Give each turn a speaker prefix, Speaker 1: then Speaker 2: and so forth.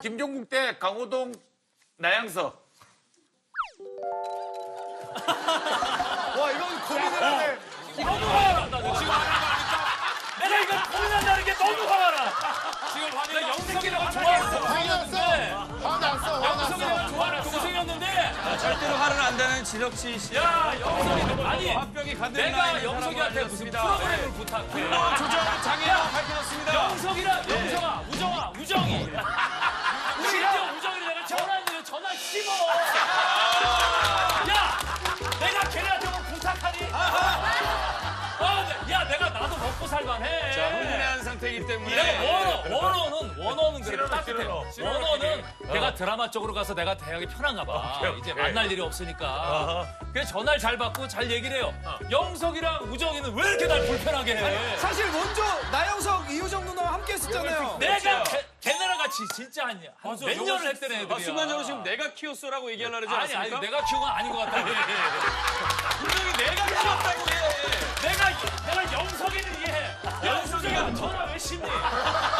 Speaker 1: 김종국 대 강호동 나양석.
Speaker 2: 와 이건 고민을 하네.
Speaker 3: 너무 화가 나. 지금 내가 이거 고민한다는 게 너무 화가 나. 지금 화가 영석이라고 좋아했어. 영석이라고 좋아하는 동생이었는데
Speaker 4: 절대로 화는 안 되는 지덕씨 씨.
Speaker 3: 야 영석이 아니
Speaker 4: 화병이 가득
Speaker 3: 내가 영석이한테 무슨 프로그램을 부탁해.
Speaker 4: 조정 장애가 밝혀졌습니다.
Speaker 3: 영석이랑 영석아 우정이 심지어 우정이를 내가 전화했는데 전화 씹어. 야 내가 걔네한테 뭐 부탁하니? 야 내가 나도 먹고 살만해.
Speaker 4: 자, 흥분한 상태이기 때문에.
Speaker 3: 내가 원어는 그래 따뜻해. 원어는 걔가 드라마 쪽으로 가서 내가 대학이 편한가 봐. 이제 만날 일이 없으니까. 그래서 전화를 잘 받고 잘 얘기를 해요. 영석이랑 우정이는 왜 이렇게 날 불편하게 해?
Speaker 2: 사실 먼저 나영석, 이효정 누나와 함께 했었잖아요.
Speaker 3: 내가 걔네랑 같이 진짜 한 몇 년을 했던 애들이야.
Speaker 4: 순간적으로 지금 내가 키웠어라고 얘기하려고 그러지
Speaker 3: 아니
Speaker 4: 않습니까?
Speaker 3: 내가 키운 건 아닌 것 같아.